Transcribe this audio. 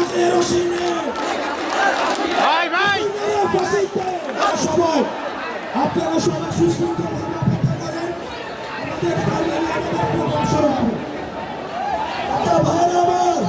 ভাই ভাই সবাই আপনারা সবাই সুশৃঙ্খলভাবে অপেক্ষা করেন আমাদের পার্লামেন্টের প্রোগ্রাম শুরু হবে। আচ্ছা ভাইরা আমার